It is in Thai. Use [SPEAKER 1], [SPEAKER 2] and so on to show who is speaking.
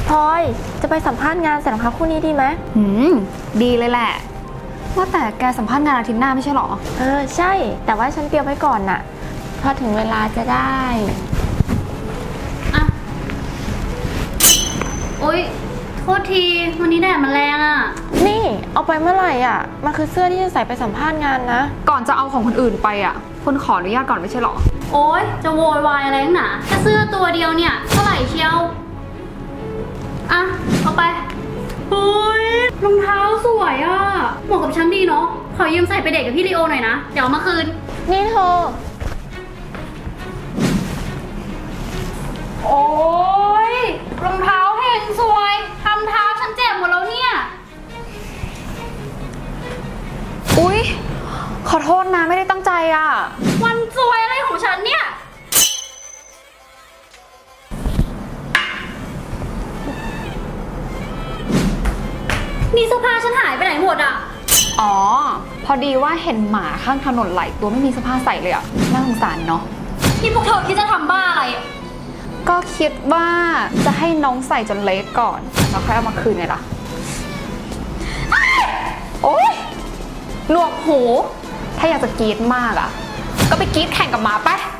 [SPEAKER 1] พลอยจะไปสัมภาษณ์งานใส่รองเท้าคู่นี้ดีไหม
[SPEAKER 2] ดีเลยแหละว่าแต่แกสัมภาษณ์งานอาทิตย์หน้าไม่ใช่หรอ
[SPEAKER 1] ใช่แต่ว่าฉันเตรียมไว้ก่อนน่ะพอถึงเวลาจะได้
[SPEAKER 3] อะโอ๊ยโทษทีวันนี้แดดมันแรงอะ
[SPEAKER 1] นี่เอาไปเมื่อไหร่อ่ะมันคือเสื้อที่จะใส่ไปสัมภาษณ์งานนะ
[SPEAKER 2] ก่อนจะเอาของคนอื่นไปอ่ะคุณขออนุญาตก่อนไม่ใช่หรอ
[SPEAKER 3] โอ๊ยจะโวยวายอะไรนักหนาแค่เสื้อตัวเดียวเนี่ยเท่าไหร่เชียวอะเอาไปเฮ้ยรองเท้าสวยอะเหมาะกับฉันดีเนาะขอยืมใส่ไปเดทกับพี่ลีโอหน่อยนะเดี๋ยวเอามาคืน
[SPEAKER 1] นี่เธอ
[SPEAKER 3] โอ๊ยรองเท้าเฮงสวยทำเท้าฉันเจ็บหมดแล้วเนี่ย
[SPEAKER 2] อุ๊ยขอโทษนะไม่ได้ตั้งใจอ่ะ
[SPEAKER 3] วันสวยอะไรของฉันเนี่ยนี่เสื้อผ้าฉันหายไปไหนหมดอ่ะ
[SPEAKER 2] อ๋อพอดีว่าเห็นหมาข้างถนนไหลตัวไม่มีเสื้อผ้าใส่เลยอ่ะน่าสงสารเนาะ
[SPEAKER 3] นี่พวกเธอคิดจะทำบ้าอะไร
[SPEAKER 2] ก็คิดว่าจะให้น้องใส่จนเละก่อนแล้วค่อยเอามาคืนไงล่ะโอ๊ยหนวกหูถ้าอยากจะกรี๊ดมากอ่ะก็ไปกรี๊ดแข่งกับหมาไป